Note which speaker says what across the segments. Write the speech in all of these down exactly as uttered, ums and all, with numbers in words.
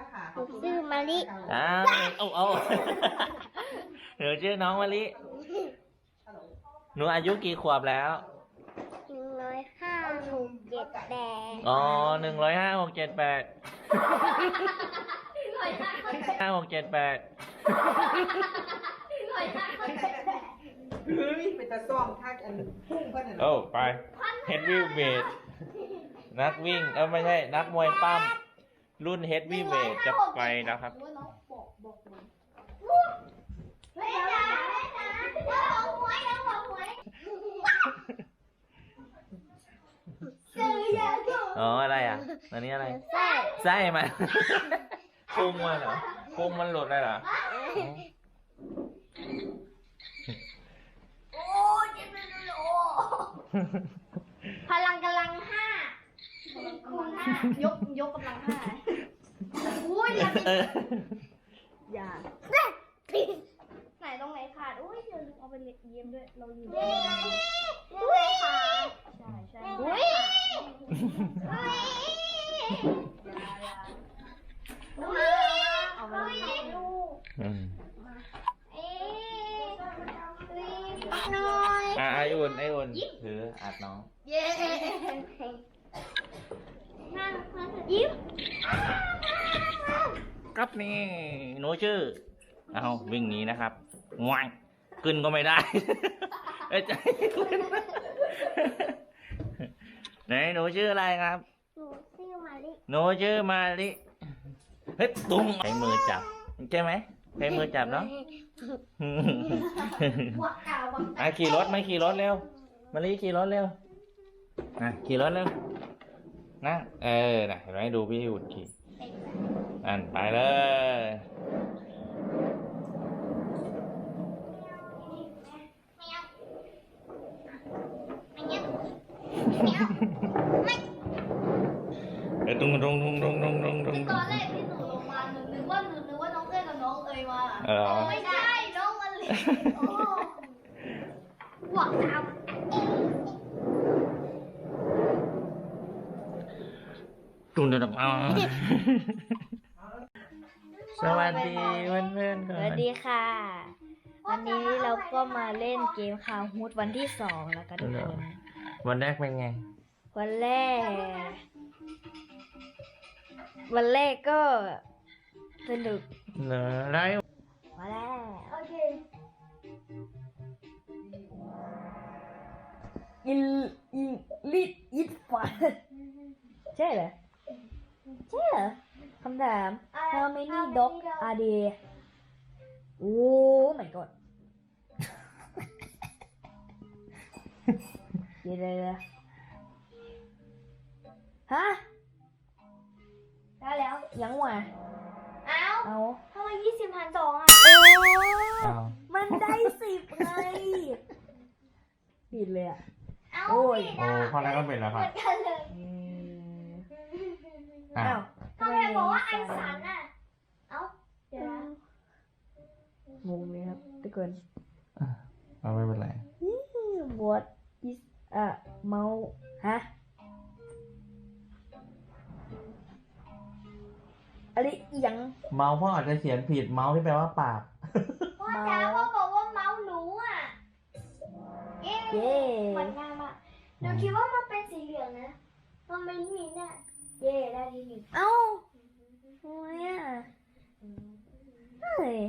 Speaker 1: นะคะ
Speaker 2: หนูชื่อมะลิ
Speaker 3: อ้าวเอาเอาหนูชื่อน้องมะลิหนูอายุกี่ขวบแล้ว
Speaker 2: หนึ่งร้อยห้าหกเจ็ดแปด
Speaker 3: อ๋อหนึ่งร้อยห้าหกเจ็ดแปดห้าหกเจ็ดแปด
Speaker 1: เฮ้ยเป็นตาซ่อมท่าอันพุ่งเพื่อน
Speaker 3: โอ้ไปเฮดวีเวทนักวิ่งเออไม่ใช่นักมวยปั้มรุ่นเฮดวีเวทจะไปนะครับ
Speaker 2: ไม่จ๋าไม่จ๋าเราบอกหวยเราบอกหวยซื้อยาถูก
Speaker 3: อ๋ออะไรอ่ะอันนี้อะไร
Speaker 2: ใช่
Speaker 3: ไส้มัน พุงมันเหรอพุงมันหลุดเลยเหรอ
Speaker 2: โอ้เจ็บเลยโอ้พลังกำลังห้าคุณห้ายกยกกำลังห้าอุ้ยอย่า
Speaker 3: เออ
Speaker 2: อย่าไหนตรงไหนขาดอุ้ยเดี๋ยวเอาไปเล็กเยี่ยมด้วยเราอยู่อุ้ยขาดใช่ใช่อุ้ยเอาไปลูก
Speaker 3: อืม
Speaker 2: เอ๊ะน้อย
Speaker 3: อ่ะไออุ่นไออุ่นถืออัดน้อง
Speaker 2: เย้นั่งยิ้ม
Speaker 3: ครับนี่หนูชื่อเอาวิ่งหนีนะครับง่ายขึ้นก็ไม่ได้ เอ้ยใจไหนหนูชื่ออะไรครับ
Speaker 2: หนูชื่อมาลิ
Speaker 3: หนูชื่อมาลิเฮ้ยตุ้งใช้มือจับใช่ไหมใช้มือจับเนาะ
Speaker 2: วักกาวัก
Speaker 3: อ่ะขี่รถไหมขี่รถเร็วมาลิขี่รถเร็วอ่ะขี่รถเร็วนะเออนะเห็นไหมดูพี่อุ่นขี่นั่นไปเลยเออตุ้งตุ้งตุ้งตุ้งตุ้งตุ้งตุ้ง
Speaker 2: ตอนแรกที่หนูลงมาหนูนึกว่าหนูนึกว่าน้องเอ้ยกับน้องเอ๋ยมา
Speaker 3: เออ
Speaker 2: ไม่ใช่น้องมาลิโอ้วักกา
Speaker 3: ตุ้งตุ้งตุ้งอ๋อสวัสดีเพื่อนเพื่อนๆก่อ
Speaker 4: สวัน สดีค่ะ วันนี้เราก็มาเล่นเกมคาวฮูดวันที่สองแล้วกันทุกคน
Speaker 3: วันแรกเป็นไง
Speaker 4: วันแรก วันแรกก็สนุก
Speaker 3: เหรอได้
Speaker 4: มาแล้ว
Speaker 2: โอเค
Speaker 4: อินอินลิดอิดฟันใช่เหรอ ใช่เหรอคำถาม how many dog are there โอ้ my god เดี๋ยวเดี๋ยวฮะ
Speaker 2: ได้แล้ว
Speaker 4: ยังวะ
Speaker 2: เอ้า
Speaker 4: เอา
Speaker 2: ทำไมยี่สิบพันสองอ่ะ
Speaker 4: โอ้
Speaker 3: อ้าว
Speaker 4: มันได้สิบไงผิดเลยอ่ะ
Speaker 2: เอ้า
Speaker 4: โอ้ย
Speaker 2: ผิด
Speaker 3: โอ้
Speaker 2: อ่ะ
Speaker 3: ข้อแรกก็เป็นแล้ว
Speaker 2: เห
Speaker 3: ครั
Speaker 2: มื
Speaker 3: บ
Speaker 2: อนกันเลย
Speaker 4: อืม
Speaker 3: อ้า
Speaker 4: อ้าว ว
Speaker 2: ทำไมบอกว่าอันสันอ่ะ เอ้า เดี๋ยวนะ
Speaker 4: งงเลยครับทุกคน
Speaker 3: เอาไม่เป็นไร
Speaker 4: What is a mouse ฮะอะไรอีหยัง
Speaker 3: เมาส์พ่ออาจจะเขียนผิดเมาส์ที่แปลว่าปาก
Speaker 2: พ่อจ๋าพ่อบอกว่าเมาส์หนูอ่ะ เย้
Speaker 4: เย้
Speaker 2: เหมือนกันอ่ะหนูคิดว่ามันเป็นสีเหลืองนะ มันไม่มีเนี่ยเย้ได้ที่หนึ่ง
Speaker 4: เอ้าทำไมอ่ะเฮ้ย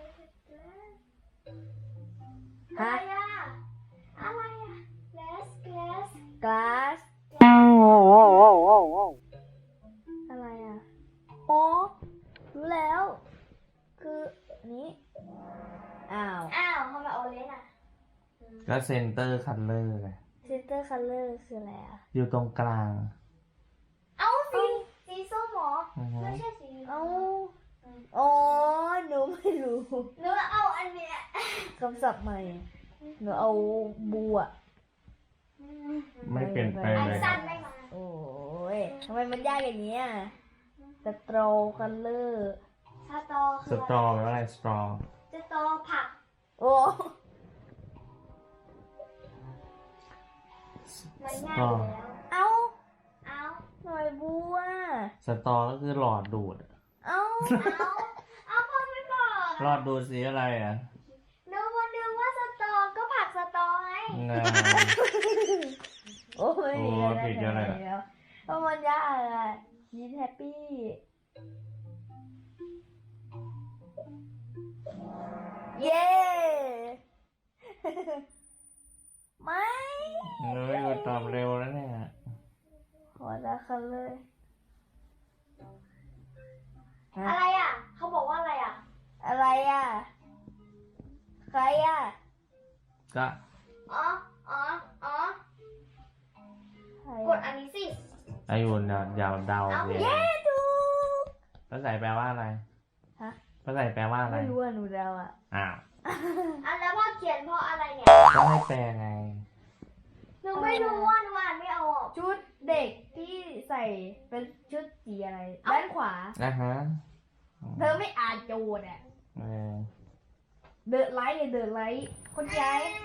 Speaker 2: อะไรอ่ะ อะไรอ่ะ glass glass
Speaker 4: glass อะไรอ่ะอ๋อรู้แล้ว คืออันนี้ อ้าว
Speaker 2: อ้าวทำไมโอเลนอ่ะ
Speaker 3: ก็เซนเตอร์คัลเลอร์ไง
Speaker 4: center color คืออะไรอ่ะ
Speaker 3: อยู่ตรงกลาง
Speaker 2: เอ้าสีสีส้มเหรอ
Speaker 3: อือฮึ
Speaker 2: ไม่ใช่สี
Speaker 4: เอ้าอ๋อ หนูไม่รู้
Speaker 2: หนูเอาอันเนี้ย
Speaker 4: คำศัพท์ใหม่ หนูเอาบัว
Speaker 3: ไม่เปลี่ยนแปลง
Speaker 2: อัน
Speaker 3: เลย
Speaker 2: สั้นได้มา
Speaker 4: โอ้ยทำไมมันยากอย่างนี้อ่ะสตรอคัลเลอร์
Speaker 2: สตอ
Speaker 3: ส
Speaker 2: คือ
Speaker 3: ตรอแปลว่าอะไรสตรอ
Speaker 2: สตอผัก
Speaker 4: โอ้
Speaker 2: มันง่ายอยู่แล้ว
Speaker 4: เอ้า
Speaker 2: เอ้า
Speaker 4: หน่อยบัว
Speaker 3: สตรอก็คือหลอดดูด
Speaker 4: เอ้า
Speaker 2: เอาเอาพ่อไม่บอก
Speaker 3: รอดดูสีอะไรอ่ะ
Speaker 2: หนูวันนึงว่าสตอก็ผักสตอไง
Speaker 3: งา
Speaker 4: โอ้ย
Speaker 3: โอ้ยผิดเยอะเลยอะ
Speaker 4: แล้วเพราะมันยากอะยีนแฮปปี้ เย้ ไม่
Speaker 3: เฮ้ยกูตอบเร็วแล้วเนี่ย
Speaker 4: ขอละคันเลยฮะ
Speaker 2: อะไรอ่ะ เขาบอกว่าอะไรอ่ะ
Speaker 4: อะไรอ่ะ ใครอ่ะ
Speaker 3: ก็
Speaker 2: อ๋อ อ๋อ อ๋อ
Speaker 4: ใคร
Speaker 2: กดอันนี้สิ
Speaker 3: ไออุ่นเดาเดาเดา
Speaker 2: เอา
Speaker 3: เรียน
Speaker 4: เย้ถูก
Speaker 3: ภาษาแปลว่าอะไร
Speaker 4: ฮะ
Speaker 3: ภาษาแปลว่าอะไร
Speaker 4: ไม่รู้อ่ะหนูเดาอ่ะ
Speaker 3: อ้าว
Speaker 2: อันแล้วพ่อเขียนเพราะอะไรเนี่ย
Speaker 3: ก็ให้แปลไง
Speaker 2: หนูไม่รู้ว่าหนูอ่านไม่ออก
Speaker 4: ชุดเด็กที่ใส่เป็นชุดสีอะไร ด้านขวา
Speaker 3: นะฮะ
Speaker 4: เธอไม่อ่านโจทย์อ่ะ
Speaker 3: เออ
Speaker 4: เดินไลท์เลยเดินไลท์คนใจ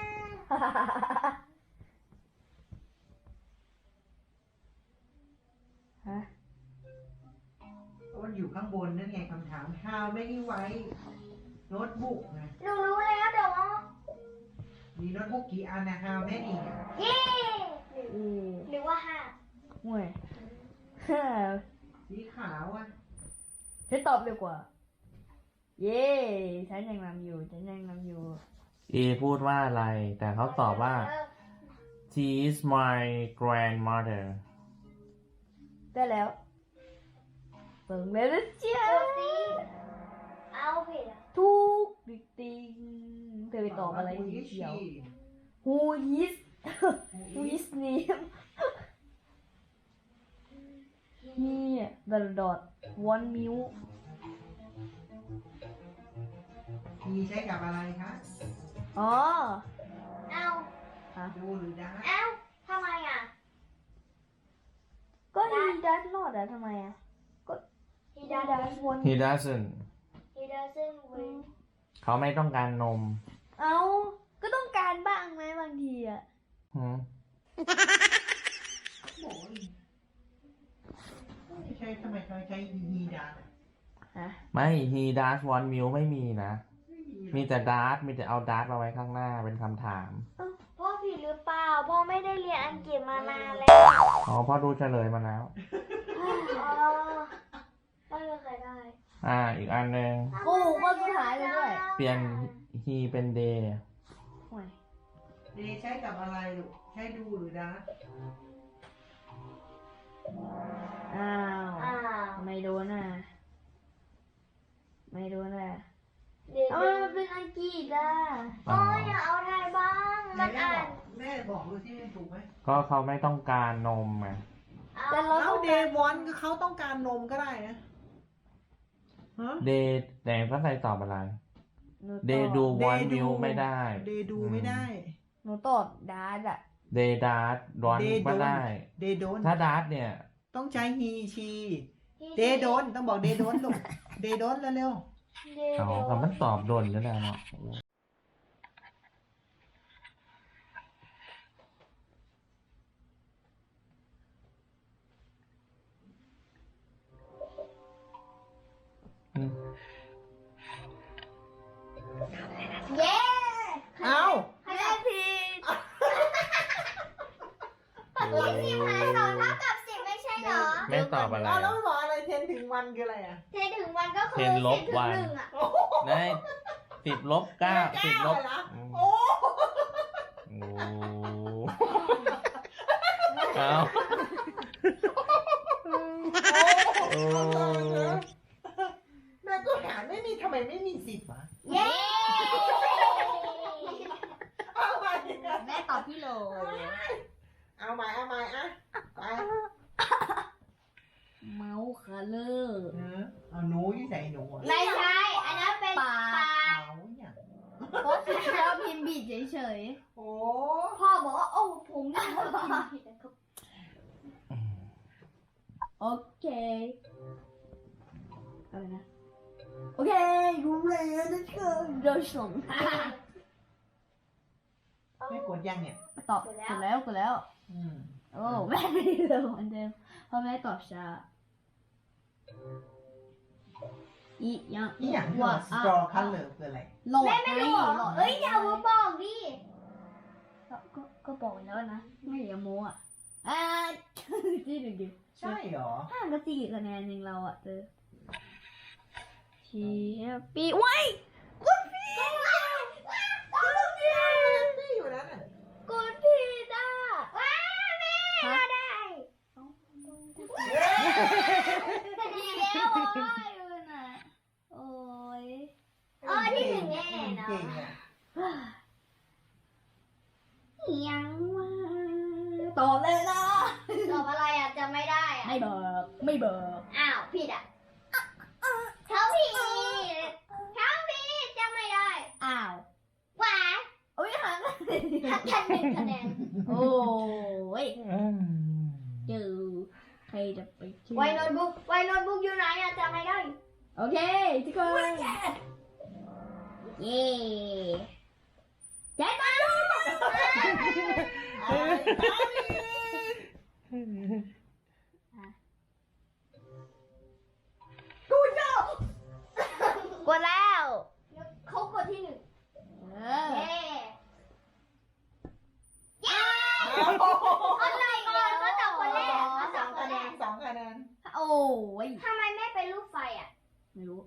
Speaker 4: ฮะ
Speaker 1: มันอยู่ข้างบนนั่นไงคำถาม how many white notebook นะ
Speaker 2: หนูรู้แล้วเดี๋ยวว่า
Speaker 1: มีโน้ตบุ๊กกี่อันนะ how many อะ
Speaker 2: เย้ห
Speaker 4: อื
Speaker 2: นึ่ง
Speaker 4: ม
Speaker 2: หรือว่าห้า
Speaker 4: ห่วย
Speaker 1: สีขาวอ่ะ
Speaker 4: ฉันตอบเร็วกว่า เย้ ฉันยังนำอยู่ ฉันยังนำอยู่
Speaker 3: เอพูดว่าอะไร แต่เขาตอบว่า she is my grandmother
Speaker 4: ได้แล้วเปิงเลยนะเจ้าก
Speaker 2: ดสิเอาผิดอ่ะ
Speaker 4: ทุกดิกติงเธอไปตอบอะไรสีเขียว Who is Who is name He the dot one mil
Speaker 1: มีใช้กับอะไรคะ
Speaker 4: อ๋อ
Speaker 2: เอา
Speaker 1: ดูหรือได้
Speaker 2: เอาทำไมอ่ะ
Speaker 4: ก็ he does not อะทำไมอะ
Speaker 2: he
Speaker 4: he
Speaker 2: doesn't
Speaker 4: does one
Speaker 3: he doesn't
Speaker 2: he doesn't win
Speaker 3: เขาไม่ต้องการนม
Speaker 4: เอาก็ต้องการบ้างไหมบางทีอะ
Speaker 3: หืม
Speaker 1: โอ้ยไม่ใช่ทำไมเขาใช้ he does
Speaker 4: ฮะ
Speaker 3: ไม่ he does one meal ไม่มีนะ
Speaker 1: ไม่มีหรอก
Speaker 3: มีแต่ does มีแต่เอา does มาไว้ข้างหน้าเป็นคำถาม
Speaker 2: พ่อผิดหรือเปล่า พ่อไม่ได้เรียนอังกฤษมานานแล้ว
Speaker 3: อ๋อพ่อดูเฉลยมาแล้ว
Speaker 2: อ๋อไม่มีใครได้
Speaker 3: อ่า อีกอันหนึ่ง
Speaker 4: โอ้ข้อสุดท้ายเลยด้วย
Speaker 3: เปลี่ยน he เป็น day
Speaker 4: ห่วย
Speaker 1: เดย์ใช้กับอะไรลูก ใช้ดูหรือได้
Speaker 4: อ้าว
Speaker 2: อ้าว
Speaker 4: ไม่โดนอ่ะ ไม่โดนอ่ะ
Speaker 2: เดี๋ยว
Speaker 4: เอามันเป็นอังกฤษอ่ะ
Speaker 2: พ่ออย่าเอาไทยบ้าง มัน
Speaker 1: แม่
Speaker 2: อ่า
Speaker 1: บอน กแม่บอกดูที่มันถูกไหม
Speaker 3: ก็เขาไม่ต้องการนมไง
Speaker 4: แต่เรา
Speaker 1: เอา
Speaker 4: ต้อง
Speaker 1: เด
Speaker 4: การ
Speaker 1: ย์วอนก็เขาต้องการนมก็ได้นะฮะ
Speaker 3: day แต่ภาษาตอบอะไร
Speaker 4: หนูต
Speaker 3: day
Speaker 4: อบ
Speaker 3: do
Speaker 1: Day
Speaker 3: one
Speaker 1: do
Speaker 3: meal ไม่ได้
Speaker 1: เดย์ดูไม่ได้
Speaker 4: หนูตอบดาดอ่ะ
Speaker 3: day does one
Speaker 1: They
Speaker 3: ก็ได้
Speaker 1: เดย์โดน
Speaker 3: ถ้า does เนี่ย
Speaker 1: ต้องใช้ he she เดย์โดนต้องบอกเดย์โดนลูกเดย์โดนเร็ว
Speaker 2: เดี๋ยว
Speaker 3: อ๋อคำมันตอบโดนแล้วนะเนาะอืม
Speaker 2: เย้
Speaker 1: ๆเอา
Speaker 2: แม่ผิดสิบหารสองเท่ากับสิบไม่ใช่เหรอ
Speaker 3: แม่ตอบอะไร
Speaker 1: เอาแล้ว
Speaker 3: อะ
Speaker 1: ไม่บอกอะไรเทนถึงวันคืออะไรอ่ะ
Speaker 2: เทถึงวันก็คือ
Speaker 3: เทนลบวัน
Speaker 2: สิถึงหนึ่งอะ
Speaker 3: ได้สิบลบเก้าสิบลบ
Speaker 1: เก้าเหรอ
Speaker 3: อืม
Speaker 1: โอ้
Speaker 3: โอ้เอาโอ้
Speaker 1: แม่ก็หาไม่มีทำไมไม่มีสิบวะ
Speaker 2: เย้
Speaker 1: เอาใหม่
Speaker 4: แม่ตอบพี่โล
Speaker 1: เอาใหม่เอาใหม่อะไป
Speaker 4: เมาส์คัลเลอร์
Speaker 1: เออเอาหนูที่ใส่หนูอะ
Speaker 2: ไม่ใช่ อันนั้นเป็น
Speaker 4: ปาก
Speaker 2: ปาก
Speaker 1: เอาอย่าง
Speaker 4: เพราะเราพิมพ์ผิดเฉย
Speaker 1: โอ้
Speaker 2: พ่อบอกว่า โอ้ผมนี่ก็พิมพ์ผิดนะครับ
Speaker 4: ๆ โอเค อะไรนะ โอเครู้แล้วนะเธอโดยส่ง
Speaker 1: ไม่กดยังเนี่ย
Speaker 4: ตอบกดแล้วกดแล้ว
Speaker 1: อืม
Speaker 4: โอ้แม่ไม่ได้เร็วเหมือนเดิมเพราะแม่ตอบช้าอียัง
Speaker 1: นี่อย่างที่
Speaker 4: ว่า
Speaker 1: ว่า straw color คืออะไร
Speaker 4: หลอด
Speaker 2: แม่ไม่รู้เหรอ
Speaker 4: หลอด
Speaker 2: เอ้ยอย่ามาบอกดิ
Speaker 4: ก็ก็ก็บอกแล้วนะ ไม่อย่าโม้อ่ะอ่า ที่หนึ่งดิ
Speaker 1: ใช่เหรอ
Speaker 4: ห่างกันสี่คะแนนเองเราอ่ะเจอชีปีไว้กดผิด
Speaker 1: นี่อยู่แล้วน่ะ
Speaker 2: กดผิดอ่ะว้าแม่มาได้ดีแล้วโอ้ยมันอ่ะ
Speaker 4: โอ้ย
Speaker 2: เออที่หนึ่งแน่เนาะ
Speaker 1: เก่งอ่ะ
Speaker 2: ยังวะ
Speaker 4: ตอบเลยนะ
Speaker 2: ตอบอะไรอ่ะจะไม่ได้อ่ะ
Speaker 4: ไม่บอกไม่บอก
Speaker 2: อ้าวผิดอ่ะเขาผิดเขาผิดจะไม่ได้
Speaker 4: อ้าว
Speaker 2: หวาน
Speaker 4: โอ้ยห่างกัน
Speaker 2: ทักกันหนึ่งคะแนน
Speaker 4: โอ้ยเจอใครจะไปชื่อ
Speaker 2: ไวโน้ตบุ๊กไวโน้ตบุ๊กอยู่ไหนอ่ะจะไม่ได้
Speaker 4: โอเคทุกคนเย้แจ็คมาดู
Speaker 2: กดแล้วเขากดที่หนึ่ง
Speaker 4: เออ
Speaker 2: เย้เย้อะไรเนี่ยเขาตอบคนแรกเขา
Speaker 1: ส
Speaker 2: ต
Speaker 1: อ
Speaker 2: อบ
Speaker 1: ง
Speaker 2: ค
Speaker 1: คะ
Speaker 2: น
Speaker 1: แน
Speaker 2: แร
Speaker 1: น
Speaker 2: ก
Speaker 1: สองคะแนน
Speaker 4: โอ้ย
Speaker 2: ทำไมไม่เป็นรูปไฟอ่ะ
Speaker 4: ไม่รู้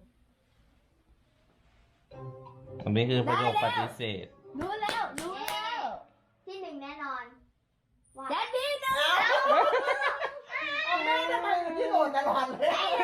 Speaker 3: อันนี้คือประโยคปฏิเสธ
Speaker 4: รู้แล้วรู้แล้ว
Speaker 2: ที่หนึ่งแน่นอนว่า
Speaker 4: แจ็คดีนะ
Speaker 1: เอาแม่ทำไมมันที่โหลดตลอดเลย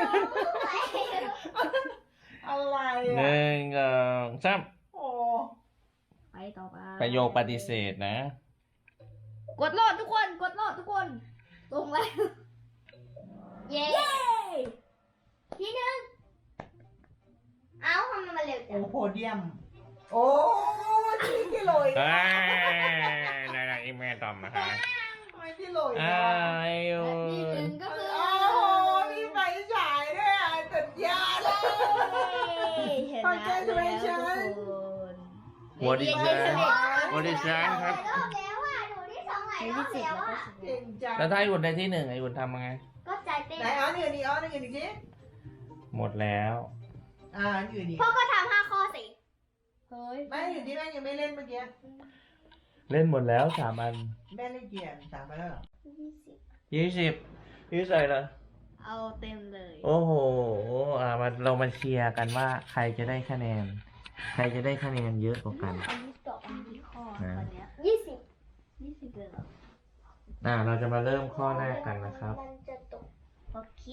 Speaker 1: อะไร
Speaker 3: ห
Speaker 1: อ่ะ
Speaker 3: นึ่งสองสาม
Speaker 1: โอ้
Speaker 4: ไปต่อไป
Speaker 3: ประโยคปฏิเสธนะ
Speaker 4: กดโหลดทุกคนกดโหลดทุกคนตรงแล้ว
Speaker 2: เย้
Speaker 4: เย้
Speaker 2: ที่หนึ่งเอ้าทำไมมันเร็วจั
Speaker 1: โอ้
Speaker 2: ง
Speaker 1: โพเดียม โอ้ที่ที่โหลย
Speaker 3: เอ้ยนายอีเมลตอบนะคะ
Speaker 1: ทำไมที่โหลย
Speaker 3: อ้า
Speaker 1: นะ
Speaker 3: วไอ้ยู
Speaker 4: ที่หนึ่งก็คือ
Speaker 1: โอ้โหมีไฟฉายด้วยอ่ะสุดยอดเลย
Speaker 4: ชนะแล้วทุกคน
Speaker 3: วอดิชานวอดิชานครับ
Speaker 2: รอบแล้วอ่ะหนูที่สองหลายรอบแล้วอ่ะ
Speaker 1: เก่งจัง
Speaker 3: แล้วถ้าไอ้อุ่นได้ที่หนึ่งไอ้อุ่นทำยังไง
Speaker 2: ก็ใจเต้น
Speaker 1: ไหนอ๋อนี่อันนี้อ๋อนี่อันนี้สิ
Speaker 3: หมดแล้ว
Speaker 1: อ่าอันอื่นอีก
Speaker 2: พ่อก็ทำห้าข้อสิ
Speaker 4: เฮ้ย
Speaker 1: แม่อยู่ที่แม่ยังไม่เล่นเมื่อกี้
Speaker 3: เล่นหมดแล้วสามอัน
Speaker 1: แม่เล่นเกียร์สามไปแล้วเหรอ
Speaker 2: ยี่สิบ
Speaker 3: ยี่สิบยี่ใส่เลย
Speaker 4: เอาเต็มเลย
Speaker 3: โอ้โหอ่ามาเรามาเชียร์กันว่าใครจะได้คะแนน ใครจะได้คะแนนเยอะกว่ากัน
Speaker 4: อันนี้ตอบอันนี้ข้อ
Speaker 3: นะ
Speaker 4: วันเนี้ย
Speaker 2: ยี่สิบ
Speaker 4: ยี่สิบเลยเหรอ
Speaker 3: อ่าเราจะมาเริ่มข้อแรกกันนะครับ
Speaker 2: มันจะตก
Speaker 4: โอเค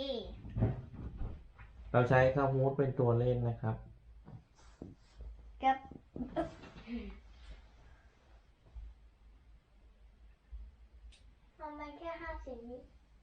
Speaker 3: เราใช้ข้าวมูดเป็นตัวเล่นนะครับ
Speaker 4: กับ
Speaker 2: ทำไมแค่ห้าสิบวิ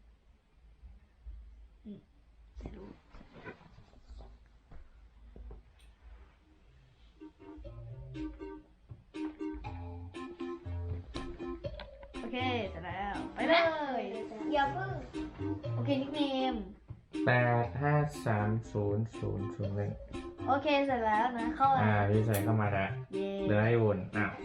Speaker 4: โอเคเสร็จแล้ว ไปเลย
Speaker 2: อย่าเพิ่ง
Speaker 4: โอเคนิกเนม
Speaker 3: แปดห้าสามศูนย์ศูนย์ศูนย์หนึ่ง
Speaker 4: โอเคเสร็จแล้วนะ เข้า
Speaker 3: อ่าพี่ใส่เข้ามาแล้ว
Speaker 4: เย้
Speaker 3: เหลือให้วนอ่ะ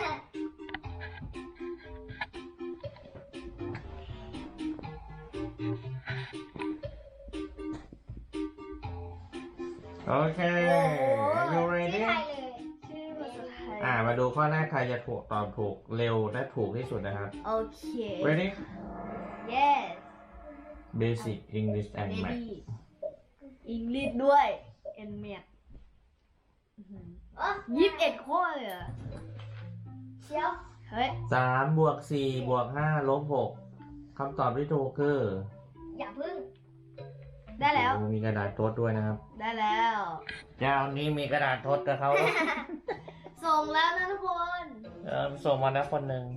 Speaker 3: โอเค you
Speaker 2: ชื่อ
Speaker 3: ready
Speaker 2: ไทยเลย
Speaker 4: ชื่อภาษาไทย
Speaker 3: อ่ามาดูข้อแรกใครจะถูกตอบถูกเร็วและถูกที่สุดนะครับ
Speaker 4: โอเค
Speaker 3: ready
Speaker 4: yes
Speaker 3: basic English and math
Speaker 4: ready อังกฤษด้วย and math
Speaker 2: เอ้อ
Speaker 4: ยี่สิบเอ็ดข้อเลยเหรอ
Speaker 2: เชียว
Speaker 4: เฮ้ย
Speaker 3: สามบวกสี่บวกห้าลบหกคำตอบที่ถูกคือ
Speaker 2: อย่าเพิ่ง
Speaker 4: ได้แล้ว
Speaker 3: โอ้มีกระดาษทดด้วยนะครับ
Speaker 4: ได้แล้ว
Speaker 3: เจ้านี้มีกระดาษทดกับเขา
Speaker 4: ส่งแล้วนะทุกคน
Speaker 3: เออส่งมาแล้วคนหนึ่ง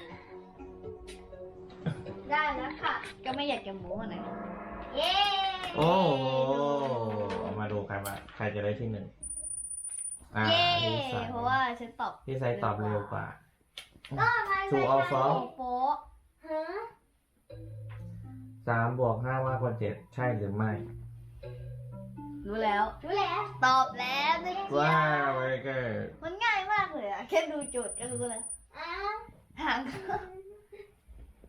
Speaker 2: ได้แล้วค่ะ
Speaker 4: ก็ไม่อยากจะโม้อะนะ
Speaker 2: เย้
Speaker 3: โอ้โหมาดูใครมาใครจะได้ที่หนึ่งอ่า
Speaker 4: เย้
Speaker 3: พี่สาย
Speaker 4: เพราะว่าฉันตอบ
Speaker 3: พี่สายตอบเร็วกว่า
Speaker 2: ก็ไม่
Speaker 3: ถูกเอาซ้อม
Speaker 4: โป๊ะ
Speaker 2: ฮะ
Speaker 3: สามบวกห้ามากกว่าเจ็ดใช่หรือไม่
Speaker 4: รู้แล้ว
Speaker 2: รู้แล้ว
Speaker 4: ตอบแล้วนะ
Speaker 3: ว้า
Speaker 4: จ๊ะ
Speaker 3: ว very good
Speaker 4: มันง่ายมากเลยอะแค่ดูโจทย์ก็รู้แล้ว
Speaker 2: อ้าว
Speaker 4: หาง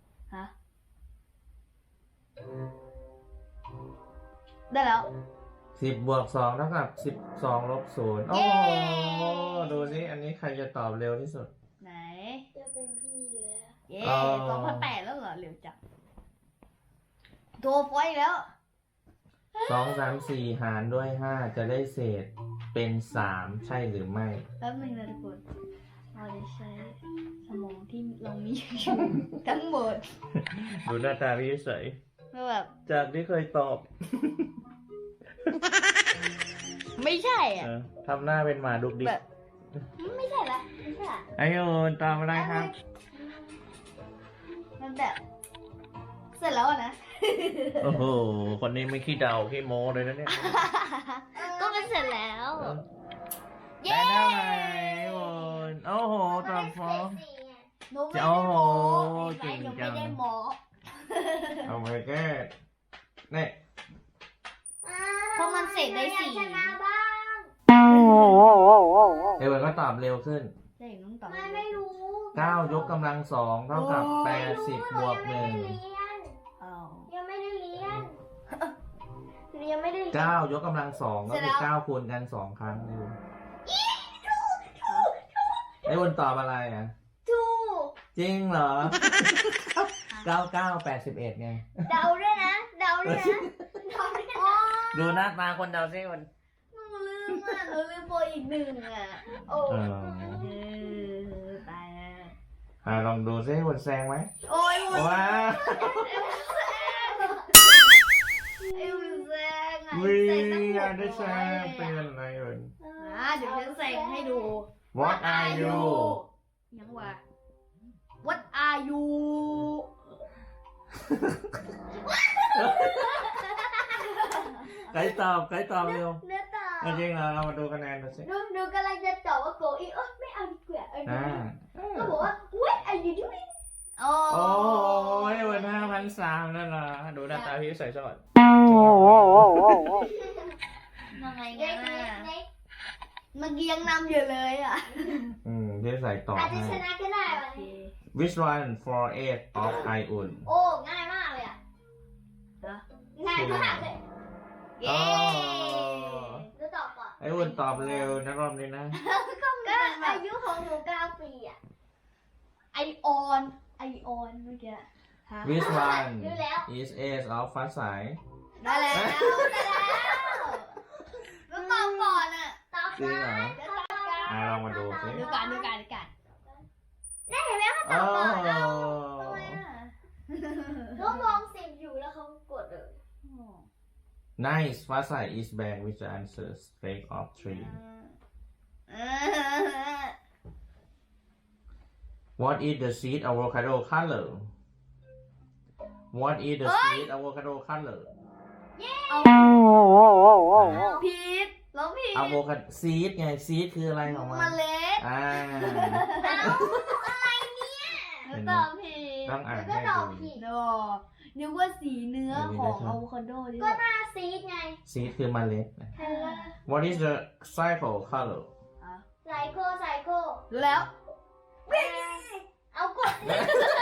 Speaker 4: ฮะได้แล้ว
Speaker 3: สิบบวกสองเท่ากับสิบสองลบศูนย์โอ้โหดูสิอันนี้ใครจะตอบเร็วที่สุด
Speaker 2: ไหน
Speaker 4: จะเป็นพี่แล้ว
Speaker 2: เย้
Speaker 3: อ๋อ
Speaker 2: สองพันแปดแล้วเหรอเร็วจังโทรไฟแล้ว
Speaker 3: สองสามสี่หารด้วยห้าจะได้เศษเป็นสามใช่หรือไม่
Speaker 2: แป๊บนึงนะทุกคนเราจะใช้สมองที่เรามีอยู่ ทั้งหมด
Speaker 3: ดูหน้าตาพี่เฉย
Speaker 2: เพื่อแบบ
Speaker 3: จากที่เคยตอบ
Speaker 2: ไม่ใช่อ่ะ
Speaker 3: เออทำหน้าเป็นหมาดุกดิก
Speaker 2: แบบไม่ใช่ละไม่ใช่ละ
Speaker 3: ไอโอนตอบอะไรครับ
Speaker 2: มันแบบ เสร็จแล้วอะนะ
Speaker 3: โอ้โห คนนี้ไม่ขี้เดาขี้โม้เลยนะเนี่ย
Speaker 2: ก็มันเสร็จแล้ว เย้
Speaker 3: ได้เท่าไหร่ไอโอนโอ้โหตอบฟอง
Speaker 2: หนูไม่ได้
Speaker 3: โอ้โห
Speaker 2: โม้
Speaker 3: เก่ง
Speaker 2: หนู
Speaker 3: จั
Speaker 2: ไม่
Speaker 3: ง
Speaker 2: ได้โม้
Speaker 3: เอาไปแก้เนี่ย
Speaker 2: เพราะมันเสร็จได้สี่
Speaker 3: เอวันก็ตอบเร็วขึ้น
Speaker 2: เด็กน้องต่อ
Speaker 4: ไม่ไม่รู้
Speaker 3: เก้ายกกำลังสองเท่ากับแปดสิบบวกหนึ่ง
Speaker 2: อ้าว
Speaker 4: ยังไม่ได้เรียนยังไม่ได้เรียน
Speaker 3: เก้ายกกำลังสองก็
Speaker 2: เสร็จแล้
Speaker 3: คือ
Speaker 2: ว
Speaker 3: เก้าคูณกันสองครั้งเร็วไอวันตอบอะไรอ่ะ
Speaker 4: ถูก
Speaker 3: จริงเหรอ เก้าเก้าแปดสิบเอ็ดไง
Speaker 4: เดาด้วยนะ เดาด้วยนะเดาด้วยนะ
Speaker 3: ดูหน้าตาคนเดาซิมัน
Speaker 2: หนูลืมอ่ะหนูลืมโปรอีกหนึ่งอ่ะ
Speaker 4: โอ้
Speaker 3: เออ
Speaker 2: เออตายแล้ว
Speaker 3: อ่าลองดูซิคนแซงไหม
Speaker 2: โอ้ยมัน
Speaker 3: ว้า
Speaker 2: ไอ้มันแซงอ่ะ
Speaker 3: วิ่
Speaker 2: แซ
Speaker 3: ง
Speaker 2: งตั้งห
Speaker 3: อ่ะ
Speaker 2: ก
Speaker 3: ได้แซ
Speaker 2: ร้อย
Speaker 3: ง
Speaker 2: เลย
Speaker 3: เป็น
Speaker 2: อ่ะ
Speaker 3: อะไรเอ่ย
Speaker 2: อ่าเดี๋ยวฉันแซงให้ดู
Speaker 3: What are you
Speaker 2: ยังวะ What are you
Speaker 3: ใครตอบใครตอบเร็ว
Speaker 4: เนื้อต่อ
Speaker 3: เอาจริงเหรอเรามาดูคะแนนดูสิ
Speaker 4: หนูหนูกำลังจะตอบว่าโกอีเออไม่เอาดีกว่าเออ
Speaker 3: อ่า
Speaker 4: ก็บอกว่า what are you doing
Speaker 2: โอ้
Speaker 3: โอ้ยวันห้าพันสามนั่นเหรอดูหน้าตาพี่ใส่สอด
Speaker 2: ยังไง
Speaker 4: เด็
Speaker 2: งั้
Speaker 4: ก
Speaker 2: น
Speaker 4: เด็ก
Speaker 2: อ่ะ
Speaker 4: เด็ก
Speaker 2: เมื่อกี้ยังนำอยู่เลยอ่ะ
Speaker 3: อืมพี่ใส่ต่อ
Speaker 4: อาจจะ
Speaker 3: ให้
Speaker 4: ชนะก็ได้
Speaker 2: โอ
Speaker 4: วัน
Speaker 2: เค
Speaker 4: นี้
Speaker 3: Which one for eight of ไออุ่น
Speaker 4: โอ้ง่ายมากเลยอ่ะ
Speaker 2: นะ
Speaker 4: ง่ายมากเลย
Speaker 2: เย้
Speaker 4: หนูตอบก่อน
Speaker 3: ไออุ่นตอบเร็วนะรอบนี้นะ
Speaker 4: ก็อายุของหนูเก้าปีอ่ะ
Speaker 2: ไอออนไอออนเมื่อกี้ฮะ
Speaker 3: Which one
Speaker 4: รู้แล้ว
Speaker 3: is eight of ฟ้าใส
Speaker 2: ได้แล้วได้แล้วแล้วตอบก่อนอ่ะ
Speaker 4: ตอบ
Speaker 3: จริง
Speaker 4: ก่อ
Speaker 3: เหรอ
Speaker 4: นตอบก่อน
Speaker 3: อ่ะลองมาดูสิ
Speaker 2: ดูกันดูกันดูกัน
Speaker 4: ได้เห็นไหมเขาต
Speaker 3: โอ้
Speaker 4: อบก่อน
Speaker 3: โห
Speaker 2: ทำไมอ่ะ
Speaker 4: เขามองสิบอยู่แล้วเขากดเลย
Speaker 3: Nice ฟ้าใส is bad with the answer straight of three
Speaker 2: เออ
Speaker 3: What is the seed avocado color What is the
Speaker 2: เอ้ย
Speaker 3: seed avocado color
Speaker 2: ผิดแล้วผิด
Speaker 3: avocado seed ไง seed คืออะไรของมัน
Speaker 2: เมล็ด
Speaker 3: อ่า
Speaker 4: เอาอะไรเนี่ย
Speaker 2: แล้วตอบผิด
Speaker 3: ต้องอ่าน
Speaker 4: ก็
Speaker 3: ให้
Speaker 4: ตอบ
Speaker 3: ดู
Speaker 4: ผิด
Speaker 2: โดนึกว่าสีเนื้อของอะโวคาโดที่
Speaker 4: ก็หน้าซีดไง
Speaker 3: seed คือเมล็ดนะ
Speaker 4: เออ
Speaker 3: What is the cycle color
Speaker 4: ไซโคไซโค
Speaker 2: รู้แล้ว
Speaker 4: เอากดเลย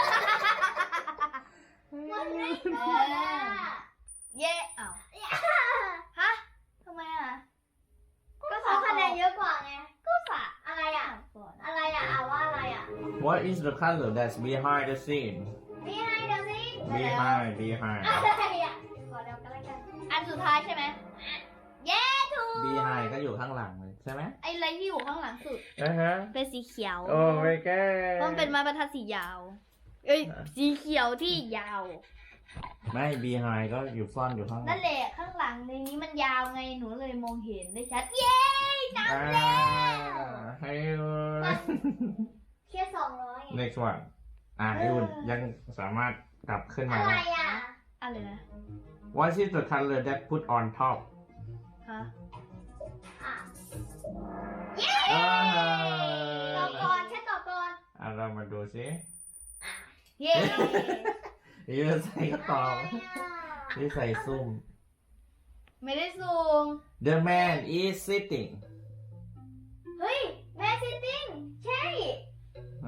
Speaker 4: กดไม่กดอ่ะ
Speaker 2: เย่อ้าวฮะทำไมอ่ะ
Speaker 4: ก็เขาคะแนนเยอะกว่าไง
Speaker 2: ก็สะ
Speaker 4: อะไรอ่ะ
Speaker 2: ก่อน
Speaker 4: อะไรอ่ะอ่าว่าอะไรอ่ะ
Speaker 3: What is the color that's behind the scene
Speaker 4: นี่ให้เดี๋ยวสิ
Speaker 3: behind behind
Speaker 4: อะไรอ่ะขอเดากันแล้วกัน
Speaker 2: อันสุดท้ายใช่ไหมเย้ถูก
Speaker 3: behind ก็อยู่ข้างหลังเลยใช่ไหม
Speaker 2: ไอ้อะไรที่อยู่ข้างหลังสุด
Speaker 3: อ่าฮะ
Speaker 2: เป็นสีเขียว
Speaker 3: โอ้ไม่แก้
Speaker 2: มันเป็นไม้บรรทัดสียาว เอ้ยสีเขียวที่ยาว
Speaker 3: ไม่ behind ก็อยู่ซ่อนอยู่ข้างหลั
Speaker 2: นั่
Speaker 3: ง
Speaker 2: นแหละข้างหลังในนี้มันยาวไงหนูเลยมองเห็นได้ชัด เย้จำ
Speaker 3: อ่า
Speaker 2: แล้ว
Speaker 3: ให้
Speaker 4: แค่สองร้อยไง
Speaker 3: next one อ่าไออุ่นยังสามารถกลับขึ้นมา
Speaker 4: อะไร
Speaker 3: ได้
Speaker 4: อ่ะ
Speaker 2: อะไรนะ
Speaker 3: What is the color that put on top
Speaker 2: ฮะ
Speaker 4: อ่ะ
Speaker 3: อ่า
Speaker 4: ตอบก่อนแค่ตอบก่อน
Speaker 3: อ่าเรามาดูสิ
Speaker 2: เย้
Speaker 3: นี่ใส่ก็ตอบนี่ใส่ซุ่ม
Speaker 2: ไม่ได้ซูม
Speaker 3: The man is sitting
Speaker 4: เฮ้ยแม่ซิตติ้งใช่
Speaker 3: เอา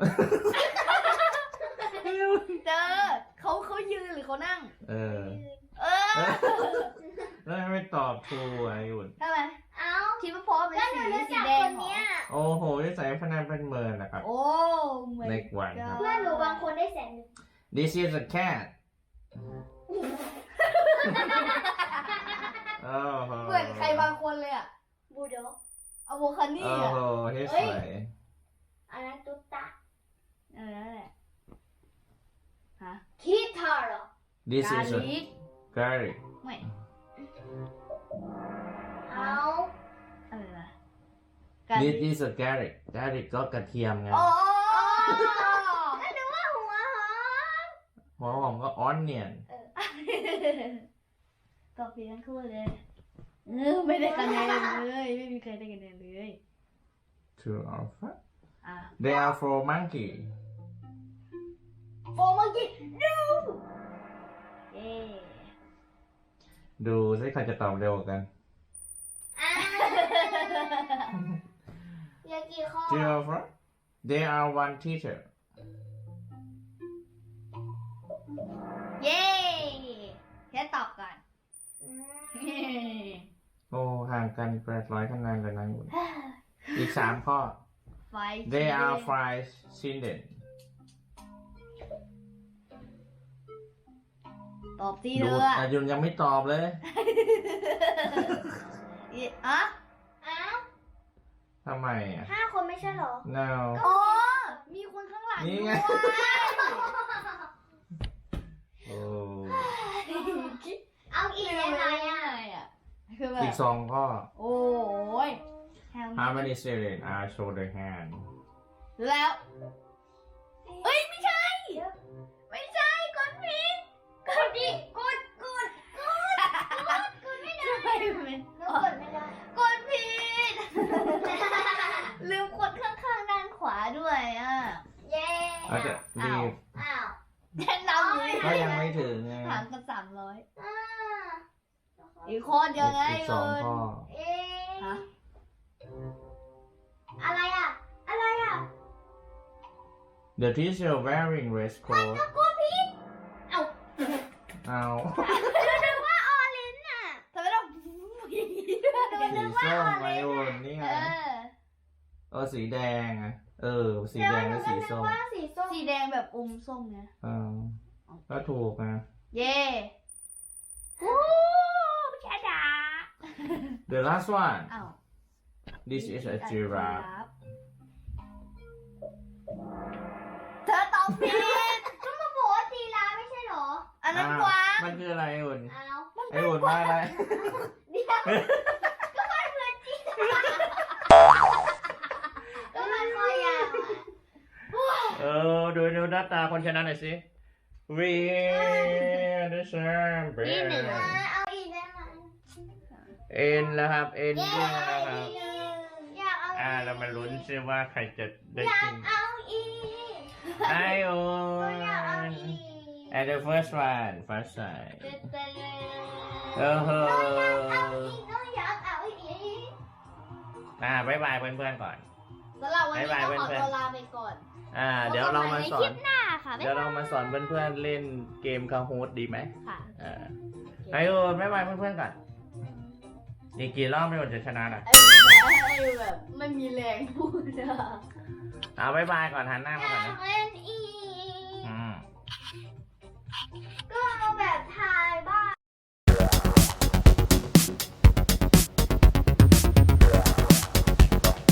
Speaker 2: เจอเขาเขายืนหรือเขานั่ง
Speaker 3: เออ
Speaker 2: เออ
Speaker 3: แล้วไม่ตอบครูไอ้อุ่น
Speaker 2: ทำไม
Speaker 5: เอ้า
Speaker 2: คิดว่าเพราะเป็น
Speaker 5: ก็หนู
Speaker 2: สี
Speaker 5: รู้
Speaker 2: สี
Speaker 5: จัก
Speaker 2: แด
Speaker 5: ค
Speaker 2: ง
Speaker 5: น
Speaker 2: เหรอ
Speaker 5: เนี้ย
Speaker 3: โอ้โหนิสัยพนันเป็นเมินนะครับ
Speaker 2: โอ้เหมือน
Speaker 3: เล็กวันครับ
Speaker 5: เพื่อนหนูบางคนได้แสนหนึ่ง
Speaker 3: This is a cat โอ้โห
Speaker 2: เหมือนใครบางคนเลยอะ
Speaker 5: บูโด
Speaker 2: อะโวคานี่
Speaker 3: โอ้
Speaker 2: อะ
Speaker 3: โหเฮ้ย
Speaker 2: เอ้
Speaker 3: ส
Speaker 2: ย
Speaker 3: วย
Speaker 5: อันนั้นตุ๊ตตา
Speaker 2: เออนั่นแหละฮะ
Speaker 5: คิดทาร์เหรอ
Speaker 3: This
Speaker 2: กา
Speaker 3: is a
Speaker 2: ลิก
Speaker 3: garlic
Speaker 2: ไม่
Speaker 5: เอา
Speaker 2: อะไรนะกาลิ
Speaker 3: This
Speaker 2: ก
Speaker 3: is a garlic garlic ก็กระเทียมไง
Speaker 2: อ๋อ
Speaker 5: ก็นึกว่าหัวหอม
Speaker 3: หัวหอมก็ onion
Speaker 2: ตอบผิดทั้งคู่เลยเออไม่ได้คะแนนเลยไม่มีใครได้คะแนนเลย
Speaker 3: True or false
Speaker 2: อ่ะ
Speaker 3: They are for monkey
Speaker 5: โฟมังกี้ดู
Speaker 2: เย้
Speaker 3: ดูสิใครจะตอบเร็วกว่ากัน
Speaker 5: อ่าเหลือกี่ข้อ
Speaker 3: True or false They are one teacher
Speaker 2: เย้แค่ตอบก่อน
Speaker 5: อืม
Speaker 3: โอ้ห่างกันแปดร้อยคะแนนเลยนะอุ่นอีกสามข้อ
Speaker 2: ไฟ
Speaker 3: They are five children
Speaker 2: ตอบที่
Speaker 3: ดู
Speaker 2: เธอ
Speaker 3: แต่ยุนยังไม่ตอบเลย
Speaker 2: อีอะ
Speaker 5: เอ้า
Speaker 3: ทำไมอ่ะ
Speaker 5: ห้าคนไม่ใช่เหรอ
Speaker 3: no
Speaker 2: อ๋อมีคนข้างหลัง
Speaker 3: นี่ไง
Speaker 2: ด้วย
Speaker 3: โอ้
Speaker 5: เอาอีกได้ไหมอ่ะ
Speaker 2: อ่ะคือแบ
Speaker 3: อี
Speaker 2: บ
Speaker 3: กสองข้อ
Speaker 2: โอ้ย
Speaker 3: How many children are show the hand
Speaker 2: แล้ว เอ้ย ไม่ใช่ ไม่ใช่กดผิดกดดิกดกดกดกดกดไม่ได้ไม่
Speaker 5: หนูกดไม่ได้
Speaker 2: กดผิด ลืมกดข้างๆด้านขวาด้วยอ่ะ
Speaker 5: เย้
Speaker 3: อาจจะรีบ
Speaker 5: อ้าว
Speaker 2: แนะนำเลย
Speaker 3: ก็ยังไม่ถึงไง
Speaker 2: ถามกันสามร้อย
Speaker 5: อ่า
Speaker 2: อีกคนเดียวไง
Speaker 3: อีกสองข้อ
Speaker 5: เอ๊ะ
Speaker 2: ฮะ
Speaker 5: อะไรอ่ะ อะไรอ่ะ
Speaker 3: The teacher wearing red coat
Speaker 5: กดผิดเอ้า
Speaker 3: เอา
Speaker 5: นึกว่าออรินอ่ะ
Speaker 2: ทำไมต้องอย่างนี้ด้วย
Speaker 3: สีส้มไงอุ่นนี่
Speaker 2: เอ
Speaker 3: ไง
Speaker 2: อ
Speaker 3: เออสีแดงอ่ะเออ สีแดง
Speaker 5: หนู
Speaker 3: และ
Speaker 5: ก็
Speaker 3: สี
Speaker 5: นึก
Speaker 3: ส้ม
Speaker 5: ว่าสีส้ม
Speaker 2: สีแดงแบบอมส้มไง
Speaker 3: เออก็ถูกนะ
Speaker 2: เย่โอ้พี่ชาดา
Speaker 3: The last one
Speaker 2: อ้าว
Speaker 3: This is a giraffe
Speaker 2: เธอตอบผิด
Speaker 5: ก็มาบอกว่าจีราไม่ใช่เหรอ
Speaker 2: อันนั้น
Speaker 3: อ้าว
Speaker 2: กวาง
Speaker 3: มันคืออะไรอุ่น
Speaker 5: อ้าว
Speaker 3: ไอ้อุ่นว่าอะไร
Speaker 5: เดี๋ยวก็มันเหมือนจีราก็มันคอยาวอ่ะ
Speaker 3: เออ ดูดูหน้าตาคนชนะหน่อยสิ We are the champion
Speaker 5: อ่าเอาอีกได้ไหม
Speaker 3: เอ็นแล้วครับ เอ็น
Speaker 5: เย้
Speaker 3: ด้วยนะครับ
Speaker 5: อยากเอา
Speaker 3: อ่าเรามาลุ้นซิว่าใครจะได้
Speaker 5: อยา
Speaker 3: กิ
Speaker 5: ก
Speaker 3: น
Speaker 5: เอาอีก
Speaker 3: ไอโอ
Speaker 5: อยากเอา
Speaker 3: น
Speaker 5: อีก
Speaker 3: and the first one first time
Speaker 5: เต้นเต้นเลย
Speaker 3: โอ้โห
Speaker 5: น้องอยากเอาอีก
Speaker 3: อ่าบ๊ายบายเพื่อนๆก่อน
Speaker 2: สำหรับวันนี้
Speaker 3: บ๊ายบาย
Speaker 2: ก็ขอ
Speaker 3: เพื่อนๆ
Speaker 2: ตัวลาไปก่อน
Speaker 3: อ่า เดี๋ยวเรามาสอน
Speaker 5: หน้าค่ะ
Speaker 3: เดี๋ยวเรามาสอนเพื่อนๆเล่นเกมคาฮูดดีไหม
Speaker 2: ค่ะ
Speaker 3: อ่าไอโอบ๊ายบายเพื่อนๆก่อนอีกกี่รอบไม่ว่าจะชนะอ่ะ
Speaker 2: ไอ้แบบไม่มีแรงพูดอะ
Speaker 3: เอาบ๊ายบายก่อนหันหน้ามาก่อนนะ
Speaker 5: เล่นอีก
Speaker 3: อืม
Speaker 5: ก็เอาแบบถ่าย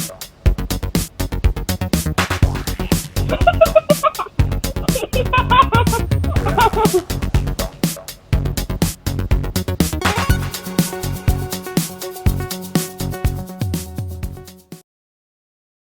Speaker 5: บ้าง
Speaker 3: Ha ha ha ha!